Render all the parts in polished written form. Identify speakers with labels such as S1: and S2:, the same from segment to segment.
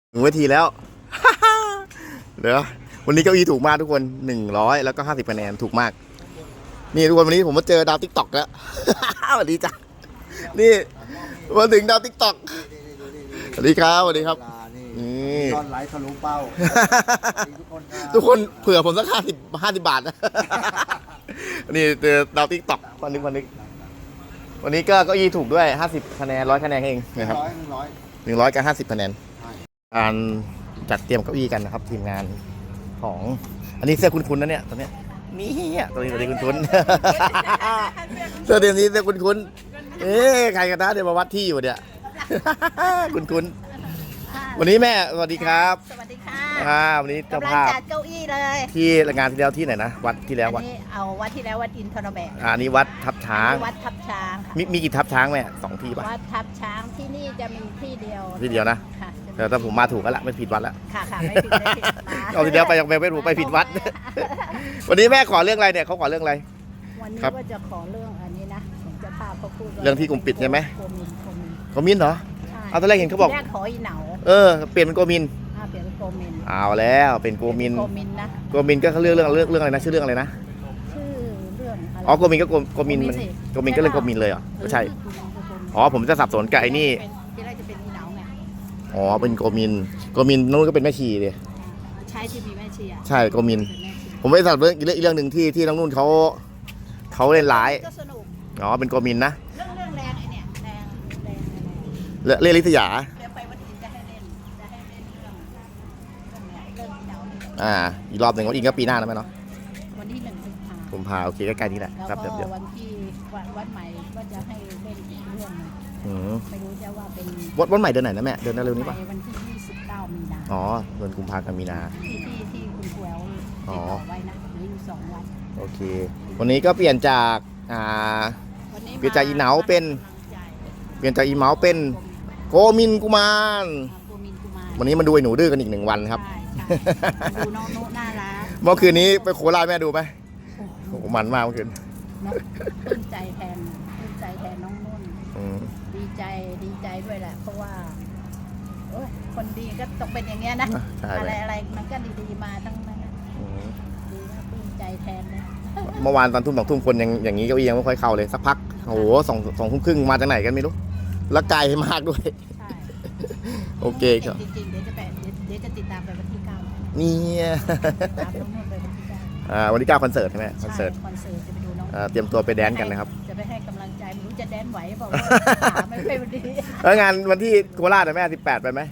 S1: 1 นาทีแล้ว เดี๋ยววันนี้เก้าอี้ถูกมากทุกคน100แล้วก็50 คะแนนถูกมากนี่ทุกคนวันนี้ผมมาเจอดาวติ๊กต็อกแล้ว สวัสดีจ้ะนี่มาถึงดาวติ๊กต็อกสวัสดีครับสวัสดีครับนี่
S2: ตอนไลฟ์ทะลุเป้า
S1: ทุกคนเผื่อผมสัก50 บาทนะ นี่เจอดาวติ๊กต็อกวันนึงวันนี้ก็เก้าอี้ถูกด้วย50 คะแนน100 คะแนนเองนะครับ100กับ50 คะแนนการจัดเตรียมเก้าอี้กันนะครับทีมงานของอันนี้เสื้อคุ้นๆนะเนี่ยตัวเนี้ยนี่ตัวนี้คุ้นๆ เสื้อเตรียมนี้เสื้อคุ้นๆใครกันนะเดี๋ยวมาวัดที่อยู่เนี่ย คุ้นๆวันนี้แม่สวัสดีครับ
S3: สวัสดีค่ะ
S1: วันนี้เจ้าก
S3: ำลัง
S1: ภาพ
S3: จัดเก้าอี้เลย
S1: ที่งานที่แล้วที่ไหนนะวัดที่แล้ววัด
S3: นี้เอาวัดที่แล้ววัดอินทรแบก
S1: อันนี้วัดทับช้าง
S3: วัดทับช้างค่ะ
S1: มีกี่ทับช้างแม่2 ที่ป่ะ
S3: วัดทับช้างที่นี่จะมีที่เดียว
S1: ที่เดียวนะ
S3: ค่ะ
S1: แต่ถ้าผมมาถูกแล้วละไม่ผิดวัดแล้ว
S3: ค่ะไม่ผิดไม่ผิดมา
S1: เอาทีเดียวไปยังไม่ถูกไปผิดวัด วันนี้แม่ขอเรื่องอะไรเนี่ยเขาขอเรื่องอะไร
S3: วันนี้
S1: ครับ
S3: ว่าจะขอเรื่องอันนี้นะผมจะพาเขาพูด
S1: เรื่องที่กลุ่มปิดใช่ไหม
S3: โกมิน
S1: โกมินเหรอ
S3: ใช่
S1: เอาตอนแรกเห็นเขาบอก
S3: แรกขออีเหนา
S1: เปลี่ยนเป็นโกมิน
S3: เปลี่ยนเป็นโกมิน
S1: เอาแล้วเป็นโกมิน
S3: โกมินนะ
S1: โกมินก็เขาเรื่องอะไรนะชื่อเรื่องอะไรนะ
S3: ชื่อเรื่องอะไร
S1: อ๋อโกมินก็โกมินมัน
S3: สิ
S1: โกมินก็เรื่องโกมินเลยเหรอไม่ใช่
S3: โกมิน
S1: อ๋อผมจะสับสนกับไอ้นี่
S3: ที่แรกจะเป็นอีเหนาไง
S1: อ๋อเป็นโกมินนู้นก็เป็นแม่ชีเลย
S3: ใช่ที่มีแม่ชีอะ
S1: ใช่โกมิน
S3: เป็นแม่ชี
S1: ผมไม่สับเรื่องอีกเรื่องหนึ่งที่น้องนุ่นเขาเล่นร้าย
S3: ก็สนุก
S1: อ๋อเป็นโกมินนะ
S3: เรื่องแรงไอ้เนี่ยแรง
S1: เล่นลิษยา
S3: เดี๋ยวไปวันอื่นจะให้เล่นเรื่องเนี่ยเรื่องที่เราเนี่ย
S1: อีกรอบหนึ่งวันอีกก็ปีหน้านะแม่เนาะ
S3: วันที่1 กุมภา
S1: โอเคใกล้ๆนี่แหละ
S3: แล้ว
S1: ครับ
S3: ก็
S1: เดี๋ยว
S3: วันที่วันใหม่ก็จะให้เล่นอีกเรื่องหนึง
S1: อืม
S3: ไม่รู้จะว่าเป็น
S1: วันใหม่เดือนไหนนะแม่เดือนเร็วนี้ป่ะ
S3: ไปวันที่29 มีนา
S1: อ๋อเดือนกุมภาพันธ์มีนา
S3: ที่คุณครูแอลติดต่อไว้นะเหลืออยู่2 วัน
S1: โอเค วันนี้ก็เปลี่ยนจาก
S3: วันนี้
S1: เปลี่ยนจากอีเหนาเป็น เปลี่ยนจากอีเมาส์เป็นโกมินกุมาร
S3: โกมินกุมาร
S1: วันนี้มาดูไอ้หนูดื้อกันอีก1 วันครับ
S3: ใช่ดูน้องนุน่ารัก
S1: เมื่อคืนนี้ไปโคราชแม่ดูไหมโอ้โหมันมากเมื่อคืน
S3: เนอะปลื้มใจแทนน้องนุ่น
S1: อืม
S3: ดีใจด้วยแหละ เพราะว่าโอ้ยคนดีก็ต้องเป็นอย่างเงี้ยนะ
S1: ใช่
S3: อะไรมันก็ดีๆมาทั้งนั้นนะ
S1: อืม
S3: ดีนะปลื้มใจแทนนะ
S1: เมื่อวานตอนทุ่ม2 ทุ่มคนยังอย่างนี้เก้าอี้ยังไม่ค่อยเข้าเลยสักพักโอ้โหสองทุ่มครึ่งมาจากไหนกันไม่รู้แล้วไกลมากด้วย
S3: ใช่
S1: โอเคครับ
S3: จริงๆเดี๋ยวจะติดตามไปวันที่9
S1: นี่
S3: ตามน้องนุ่นไปวันที่9
S1: วันที่9คอนเสิร์ตใช่ไหมคอนเสิร์ต
S3: คอนเสิร์ตจะไปดูน้อง
S1: เตรียมตัวไปแดนซ์กันนะครับ
S3: จะไปให้กำลังใจไม่รู้จะแดนไหวเปล่าขาไม่ค่อยดี
S1: แล้วงานวันที่โคราชนะแม่18ไปไหม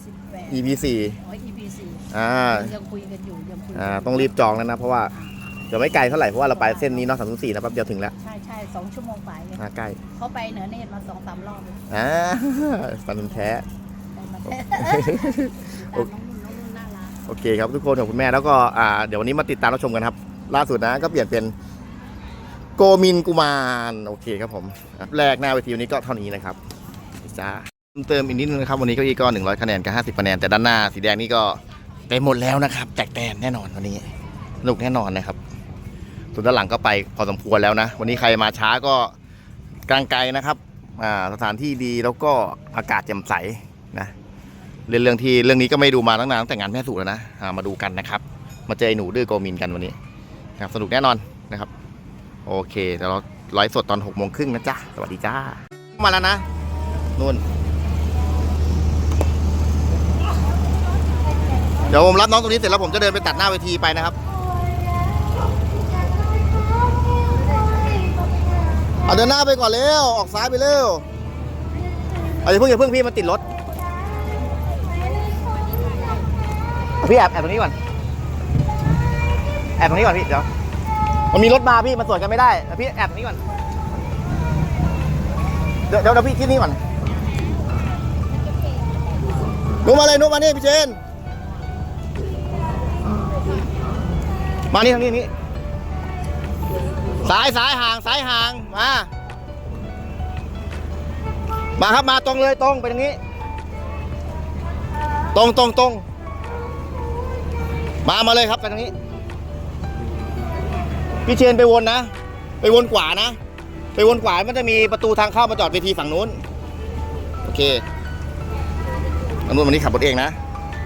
S3: 18
S1: EP 4
S3: EP 4ยังคุยกันอยู่
S1: ต้องรีบจองแล้วนะเพราะว่าเดี๋ยวไม่ไกลเท่าไหร่เพราะว่าเราไปเส้นนี้เนาะ304นะแป๊บเดียวถึงแล้ว
S3: ใช่2 ชั่วโมงไป
S1: ใกล้
S3: เขาไปเหนือเนตรมา2-3 รอบเลย
S1: ฟันแท้
S3: ได้มาแท้น้องนุ่นน่ารัก
S1: โอเคครับทุกคนขอบคุณแม่แล้วก็เดี๋ยววันนี้มาติดตามรับชมกันครับล่าสุดนะก็เปลี่ยนเป็นโกมินกุมารโอเคครับผมแรกหน้าเวทีวันนี้ก็เท่านี้นะครับจ้าเติมอีกนิดนึงนะครับวันนี้เก็อีกก็100 คะแนนกับ50 คะแนนแต่ด้านหน้าสีแดงนี่ก็ไปหมดแล้วนะครับแตกแตนแน่นอนวันนี้สนุกแน่นอนนะครับส่วนด้านหลังก็ไปพอสมควรแล้วนะวันนี้ใครมาช้าก็กลางไกลนะครับสถานที่ดีแล้วก็อากาศแจ่มใสนะเรื่องนี้ก็ไม่ดูมาตั้งนานตั้งแต่งานแม่สู่แล้วนะมาดูกันนะครับมาเจอไอ้หนูดื้อโกมินกันวันนี้นะครับสนุกแน่นอนนะครับโอเคเดี๋ยวเราไลฟ์สดตอน6:30นะจ๊ะสวัสดีจ้ามาแล้วนะนู่นเดี๋ยวผมรับน้องตรงนี้เสร็จแล้วผมจะเดินไปตัดหน้าเวทีไปนะครับเอาเดินหน้าไปก่อนเร็วออกซ้ายไปเร็วอย่าเพิ่งพี่มันติดรถพี่แอบตรงนี้ก่อนแอบตรงนี้ก่อนพี่เดี๋ยวมันมีรถมาพี่มันสวนกันไม่ได้พี่แอบตรงนี้ก่อนเดี๋ยวพี่ที่นี่ก่อนนุ๊กมาเลยนุ๊กมานี่พี่เจนมานี่ทางนี้ซ้ายห่างมาครับมาตรงเลยตรงไปทางนี้ตรงมาเลยครับไปทางนี้พี่เชนไปวนนะไปวนขวานะไปวนขวามันจะมีประตูทางเข้ามาจอดเวทีฝั่งนู้นโอเคอันนู้นวันนี้ขับรถเองนะ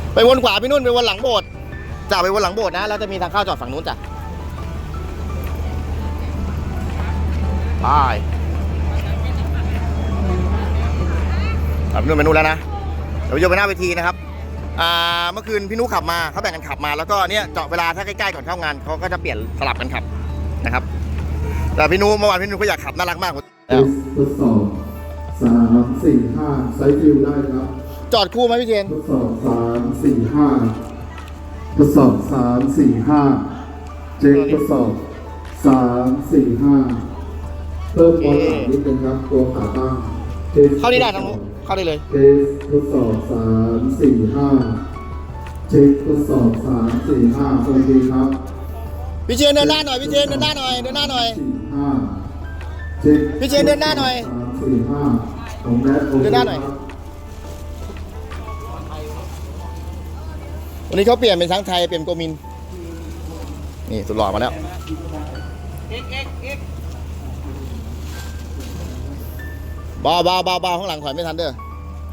S1: ไปวนขวาพี่นุ่นไปวนหลังโบสถ์จ้ะไปวนหลังโบสถ์นะแล้วจะมีทางเข้าจอดฝั่งนู้นจ้ะไปพี่นุ่นไปนู่นแล้วนะเดี๋ยวโยนไปหน้าเวทีนะครับเมื่อคืนพี่นุขับมาเขาแบ่งกันขับมาแล้วก็เนี่ยเจาะเวลาถ้าใกล้ๆก่อนเข้างานเขาก็จะเปลี่ยนสลับกันขับนะครับแต่พี่นุเมื่อวานพี่นุก็อยากขับน่ารักมากแล้ว
S2: ทดสอบ3 4 5ไซส์ฟิลได้ครับ
S1: จอดคู่ไหมพี่เจน
S2: ทดสอบ3 4 5ทดสอบ3 4 5เช็คทดสอบ3 4 5เพิ่มความหนานิดนึงครับตัวขาตั้ง
S1: เข้าได้ทั้งนู้นเข้าได้เลย
S2: เทสทดสอบ3 4 5เช็คทดสอบ3 4 5โอเคครับ
S1: พี่เจนเดินหน้าหน่อยพี่เจนเดินหน้าหน่อยเดินหน้าหน่อย
S2: 4 5เช็ค
S1: พี่เจนเดินหน้าหน่อย
S2: 3 4 5ของแมทโอเค
S1: เดินหน้าหน่อย
S2: ครับ
S1: วันนี้เขาเปลี่ยนเป็นช้างไทยเปลี่ยนโกมินนี่สุดหล่อมาแล้วเบาข้างหลังถอยไม่ทันเด้อ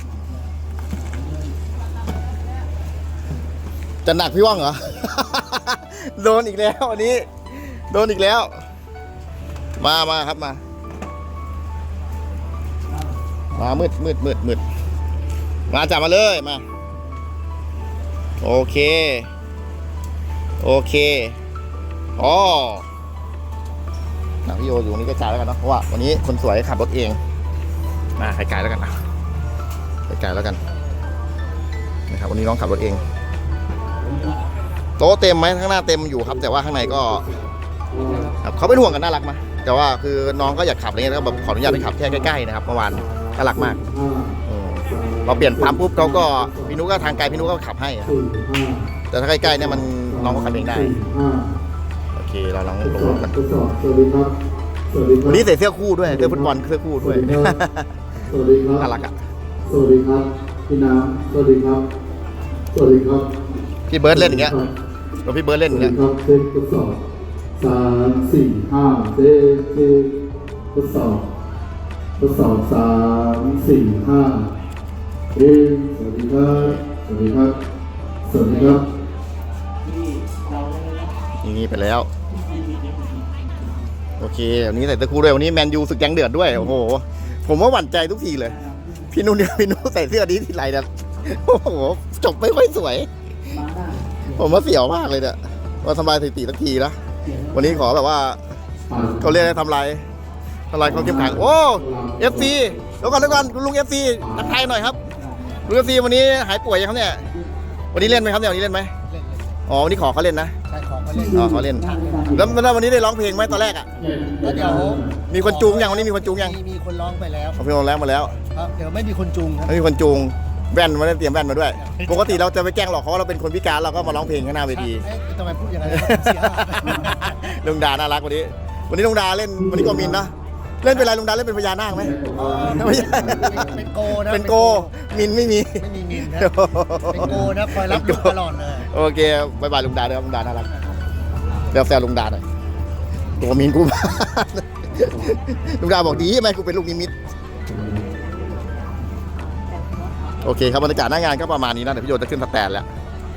S1: จะหนักพี่ว่องเหรอ โดนอีกแล้ววันนี้โดนอีกแล้วมาครับมามืดมาจับมาเลยมาโอเคอ๋อพี่โยอยู่ตรงนี้ก็จ่ายแล้วกันเนาะเพราะว่าวันนี้คนสวยขับรถเองมาไกลๆแล้วกันนะไกลๆแล้วกันนะครับวันนี้น้องขับรถเองโต๊ะเต็มไหมข้างหน้าเต็มอยู่ครับแต่ว่าข้างในก็ครับเขาเป็นห่วงกันน่ารักมาแต่ว่าคือน้องก็อยากขับอะไรเงี้ยก็แบบขออนุญาตไปขับแค่ใกล้ๆนะครับเมื่อวานน่ารักมากพอเปลี่ยนปั๊มปุ๊บเขาก็พี่นุก็ทางไกลพี่นุก็ขับให้อะแต่ถ้าใกล้ๆเนี่ยมันน้องก็ขับเองได้โอเคเราลองลงกัน
S2: ทดสอบสวัสดีครับสวัสดีครับ
S1: วันนี้ใส่เสื้อคู่ด้วยเสื้อฟุตบอลเสื้อคู่ด้วย
S2: สวัสดีครับ
S1: น่ารักอ่ะ
S2: สวัสดีครับพี่น้ำสวัสดีครับสวัสดีครับ
S1: พี่เบิร์ดเล่นอย่างเงี้ยเราพี่เบิร์ดเล่นอย่างเงี้ย
S2: ครับเช็คทดสอบ3 4 5เช็คทดสอบ3 4 5สวัสดีครับสวัสดีครับสวัสดีครับ
S1: นี่ไปแล้วโอเควันนี้ใส่เสื้อคู่ด้วยวันนี้แมนยูศึกยังเดือดด้วยโอ้โหผมว่าหวั่นใจทุกทีเลยพี่นุ่นเนี่ยพี่นุ่นใส่เสื้อนี้ทีไรเนี่ยโอ้โหจบไม่ค่อยสวยผมว่าเสียวมากเลยเนี่ยว่าทำลายสถิติสักทีนะวันนี้ขอแบบว่าเขาเรียกอะไรทำลายความเข้มแข็งโอ้FCเดี๋ยวก่อนคุณลุง FC ทักทายหน่อยครับลุง FC วันนี้หายป่วยยังครับเนี่ยวันนี้เล่นไหมครับเนี่ยวันนี้เล่นไหมอ๋อวันนี้ขอเขาเล่นนะ
S4: ใช่ของเขาเล่น
S1: อ๋อเขาเล่นแล้ววันนี้ได้ร้องเพลงไหมตอนแรกอ่ะ
S4: แล้วเดี๋ยว
S1: มีคนจูงยังวันนี้มีคนจูงยัง
S4: มีคนร้องไปแล้ว
S1: เอาเพลงแล้วมาแล้ว
S4: ครับเดี๋ยวไม่มีคนจูงครับ
S1: ไม่มีคนจูงแว่นมาได้เตรียมแว่นมาด้วย ปกติเราจะไปแกล้งหลอกเขาว่าเราเป็นคนพิการเราก็มาร้องเพลงข้างหน้าเวที
S4: เอ๊ะทำไมพูดอย่างนั้นเสียหาย
S1: ลุงดาน่ารักวันนี้ลุงดาเล่นวันนี้โกมินนะเล่นเป็นอะไรลุงดาเล่นเป็นพญานาคไหมไม่ใช่
S4: เป็นโกนะ
S1: เป็นโกมินไม่มี
S4: ไม่มีมินนะเป็นโกนะคอยรับลูกตลอดเลย
S1: โอเคบายบายลุงดาเด้อลุงดาน่ารักเดี๋ยวแซวลุงดาหน่อยตัวมินกูมา ลุงดาบอกดีไหมกูเป็นลูกนิมิตโอเคครับบรรยากาศหน้างานก็ประมาณนี้นะเดี๋ยวพี่โยจะขึ้นสแตนแล้ว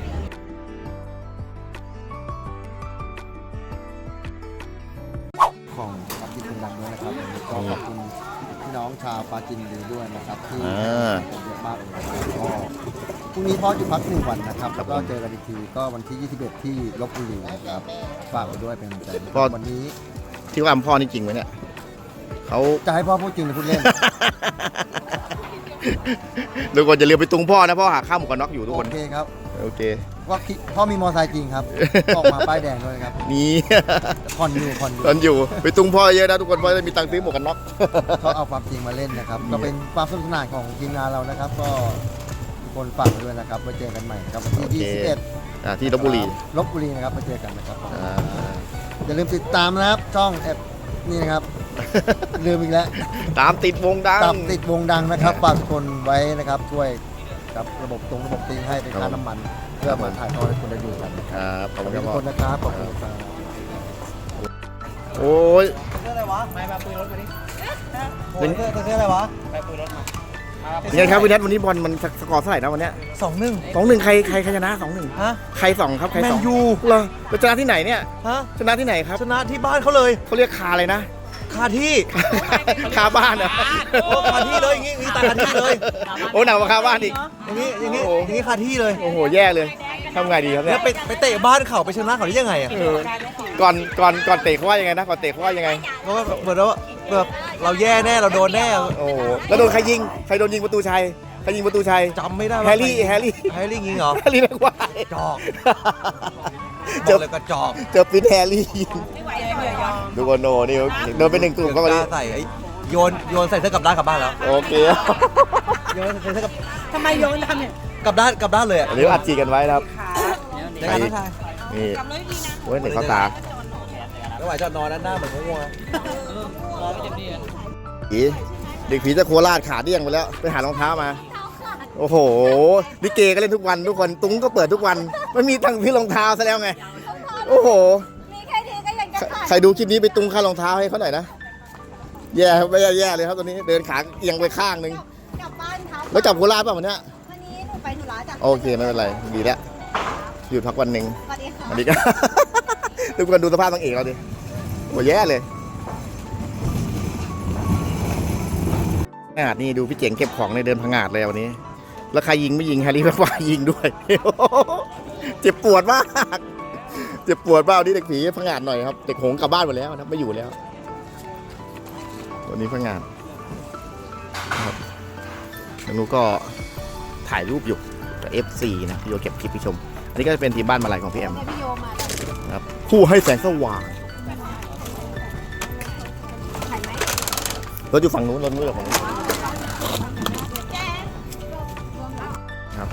S4: ของปาจินเป็นดังด้วยนะครับก็ขอบคุณพี่น้องชาวปาจินดีด้วยนะครับที่เยอะมากเลยนะครับก็พรุ่งนี้พ่อจะพัก1 วันนะครับแล้วก็เจอกันอีกทีก็วันที่21ที่ลบบุรีนะครับฝากไว้ด้วยเป็นกำลังใจวันนี้
S1: ที่ว่าพ่อนี่จริงไหมเนี่ยเขา
S4: จะให้พ่อพูดจริงหรือพูดเล่น
S1: ทุกคนจะเรียกไปตุงพ่อนะพ่อหาข้าวหมวกกันน็อกอยู่ทุกคน
S4: โอเคครับ
S1: โอเค
S4: ว่าพ่อมีมอไซค์จริงครับ ออกมาป้ายแดงด้วยครับ
S1: นี่
S4: ผ่อนอยู่
S1: ตอนอยู่ไปตุงพ่อเยอะนะทุกคนเพราะจะมีตังค์ซื้อหมวกกันน็อก
S4: เขาเอาความจริงมาเล่นนะครับ ก็เป็นความสนุกสนานของทีมงานเรานะครับ ก็ทุกคนฝากไว้ด้วยนะครับไว้เจอกันใหม่นะครับวันที่ 21
S1: ที่ลบบุรี
S4: ลบบุรีนะครับมาเจอกันนะครับ
S1: อ่า
S4: อย่าลืมติดตามนะครับช่องแอปนี่นะครับลืมอีกแล้ว
S1: ตามติดวงดัง
S4: ตามติดวงดังนะครับฝากทุกคนไว้นะครับช่วยกับระบบตีให้เป็นค่าน้ำมันเพื่อมาถ่ายทอดให้คนได้ดูกันนะค
S1: ครับ รับขอบ
S4: ขอบ
S1: คุณ
S4: คุ
S1: ค
S4: ณ
S1: รับ
S4: ทุก
S1: พ่อ
S4: คนนะครับขอบคุณครับ
S1: โอ้ย
S4: เสื้ออะไรวะไม่มาปืนรถมาดิ
S1: เป็น
S4: เสื้ออะไรวะไปปืนรถมา
S1: ยังไงครับวินัทวันนี้บอลมันสกอร์เท่าไหร่นะวันเนี้ย
S5: 2-1
S1: 2-1ใครชนะ 2-1
S5: ฮะ
S1: ใคร2ครับใคร
S5: แมน
S1: 2
S5: ยู
S1: เหรอแล้วชนะที่ไหนเนี่ย
S5: ฮะ
S1: ชนะที่ไหนครับ
S5: ชนะที่บ้านเขาเลย
S1: เขาเรียกคาอะไรนะ
S5: คาที่
S1: คาบ้านเหรอ
S5: โอ้คาที่เลยอย่างงี้ตายคาที่เลย
S1: โอ้หนักกว่าคาบ้านอีก
S5: อย่างงี้คาที่เลย
S1: โอ้โหแย่เลยทำไงดีครับเนี่
S5: แล้
S1: ยว
S5: ไปเตะบ้านเขาไปชนะเขาได้ยังไงอ่ะ
S1: เออก่อนเตะเขาว่ายังไงนะก่อนเตะเขาว่ายังไง
S5: เพราะว่าเหมือนว่าแบบเราแย่แน่เราโดนแน่
S1: โอ้โหแล้วโดนใครยิงใครโดนยิงประตูชัยใครยิงประตูชัย
S5: จำไม่ได้ว่า
S1: แฮร์รี่
S5: แฮร์รี่ยิงเหรอ
S1: แฮร์รี่แม็กควาย
S5: จอก
S1: เจอ
S5: เลยกระจอก
S1: เจอปินแฮร์รี่ยิงดูโกโนนี่โดนไป1 กลุ่มก็วันนี้
S5: ใส่ไอ้โยนใส่เสื้อกลับด้านกลับบ้านแล้ว
S1: โอเค
S5: โยนใส่เสื้อกลับ
S3: ทำไมโยนทำเนี่ย
S5: กลับด้านเลยอ่ะ
S1: อันนี้อัดจีกันไว้นะครับ
S5: ในการทักทาย
S1: นี่โอ้ยเด็กเข้าตา
S5: ไม่ไหวจะนอนด้านหน้าเหมือนง่วง
S1: ผีเด็กผีจะโคราชขาเดี้ยงไปแล้วไปหารองเท้ามา โอ้โหลิเกก็เล่นทุกวันทุกคนตุ้งก็เปิดทุกวันไม่มีตังค์ซื้อรองเท้าซะแล้วไงโอ้โห
S3: มีแค่นี้ก็ยังจะขาด
S1: ใครดูคลิปนี้ไปตุ้งค่ารองเท้าให้เขาหน่อยนะแย่ไม่แย่เลยครับตอนนี้เดินขาเอียงไปข้างนึง
S3: กลับบ้านครับ
S1: แล้วกลับโคราชป่ะวันเนี้ย
S3: วันนี้หนูไปธุระจ้ะ
S1: โอเคไม่เป็นไรดีแล้วหยุดพักวันหนึ่ง
S3: สวัสดีค่ะ
S1: วันนี้ก็ ทุกคนดูสภาพนางเอกเราดิโอ้แย่เลยขนาดนี้ดูพี่เจ๋งเก็บของในเดินพังงาดเลยวันนี้ แล้วใครยิงไม่ยิงแฮร์รี่แม็กควายยิงด้วย เจ็บปวดมากเจ็บปวดมากวันนี้เด็กผีพังงาดหน่อยครับเด็กหงกลับบ้านหมดแล้วนะไม่อยู่แล้ววันนี้พังงาดครับแล้วนูก็ถ่ายรูปอยู่กับ FC นะพี่โยเก็บคลิปพี่ชม อันนี้ก็จะเป็นทีมบ้านมาลัยของพี่แอม
S3: พี่โยมาแล้ว
S1: ครับผู้ให้แสงสว่าง
S3: ถ่ายไหม
S1: รถอยู่ฝั่งนู้นรถนู้นอยู่ฝั่งนู้นครับ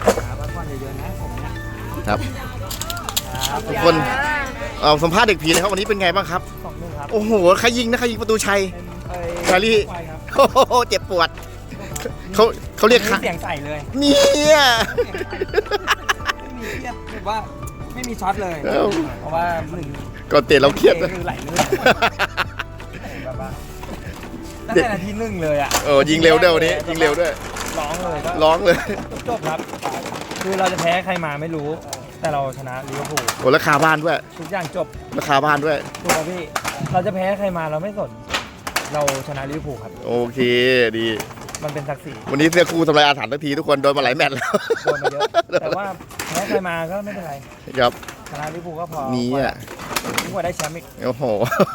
S1: ครับทุกคนสัมภาษณ์เด็กผีเลยครับวันนี้เป็นไงบ้างครับ
S5: 2-1 ครับ
S1: โอ้โหใครยิงนะใครยิงประตูชัยแฮร์รี่โอ้โหเจ็บปวดเขาเรียก
S6: เสียงใส่เลย
S1: เนี่ย
S6: ไม่มีเครียดแบบว่าไม่มีช็อตเลย
S1: เอ้า
S6: เพราะว่าหนึ่ง
S1: ก่อนเตะเราเครียดนะ
S6: คือไหลลื่นแบบว่าตั้งแต่นาทีหนึ่งเลยอ่ะ
S1: ยิงเร็วด้วยวันนี้ยิงเร็วด้วย
S6: ร้องเลยก็
S1: ร้องเลย
S6: จบครับ คือเราจะแพ้ใครมาไม่รู้ แต่เราชนะลิเวอร์พูล
S1: โอ้ราคาบ้านด้วย
S6: ทุกอย่างจบ
S1: ราคาบ้านด้วย
S6: ถูกไหมพี่ เราจะแพ้ใครมาเราไม่สน เราชนะลิเวอร์พูลครับ
S1: โอเคดี
S6: มันเป็นศักดิ์ศรี
S1: วันนี้เสื้อคู่ทำลายอาถรรพ์ทันทีทุกคนโดนมาหลายแมตช์แล้ว
S6: โดนมาเยอะ แต่ว่าแพ้ใครมาก็ไม่เป็นไร
S1: ครับ
S6: ชนะลิเวอร์พูลก็พอ
S1: นี่อ่ะ
S6: ยิ่งกว่าได้แชมป์อีก
S1: โอ้โห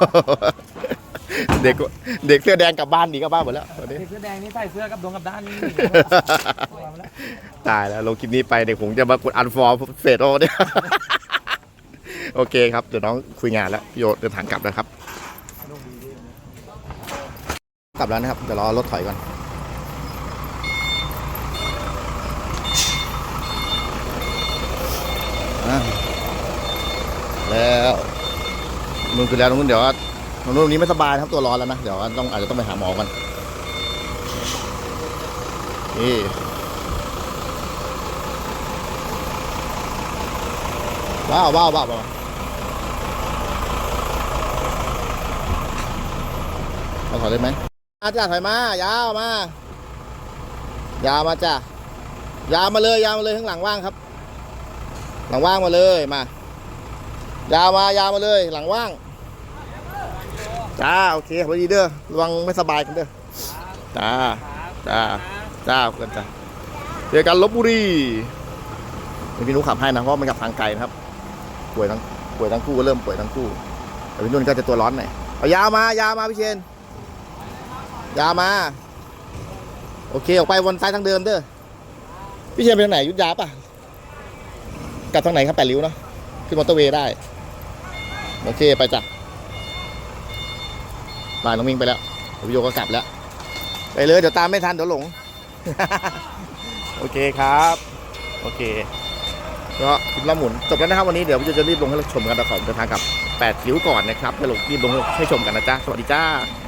S1: เด็กเสื้อแดงกลับบ้านดีกลับบ้านหมดแล้วตอนนี้
S6: เด็กเสื้อแดงนี่ใส่เสื้อกับดวงกับด้านนี่
S1: ตายแล้วลงคลิปนี้ไปเด็กผมจะมากดอันฟอร์เฟสโอเนี่ย โอเคครับเดี๋ยวน้องคุยงานแล้วพี่โยเดินทางกลับแล้วครับ กลับแล้วนะครับเดี๋ยวรอรถถอยก่อนแล้วนู่นคือแล้วตรงนู้นเดี๋ยวตรงนู้นนี้ไม่สบายนะครับตัวร้อนแล้วนะเดี๋ยวอาจจะต้องไปหาหมอกันนี่ว้าวมาถอยได้ไหมจ้าถอยมายาวมายาวมาจ้ายาวมาเลยข้างหลังว่างครับ หลังว่างมาเลยมายาวมาเลยหลังว่างจ้าโอเคพอดีเด้อระวังไม่สบายกันเด้อจ้าเพื่อนจ้าเจอกันลพบุรีพี่นุ๊กขับให้นะเพราะมันขับทางไกลนะครับป่วยทั้งคู่ก็เริ่มป่วยทั้งคู่แต่พี่นุ่นก็จะตัวร้อนหน่อยเอายาวมาพี่เชนยาวมาโอเคออกไปวนซ้ายทางเดิมเด้อพี่เชนไปทางไหนยุทธยาป่ะกลับทางไหนครับ8 ริ้วเนาะขึ้นมอเตอร์เวย์ได้โอเคไปจ้ะบ่ายน้องมิงไปแล้วพี่โยก็กลับแล้วไปเลยเดี๋ยวตามไม่ทันเดี๋ยวหลง โอเคครับโอเคก็คลิปละหมุนจบแล้วนะครับวันนี้เดี๋ยวพี่โยจะรีบลงให้ชมกันต่อของเดินทางกับ8 ริ้วก่อนนะครับจะรีบลงให้ชมกันนะจ๊ะสวัสดีจ้า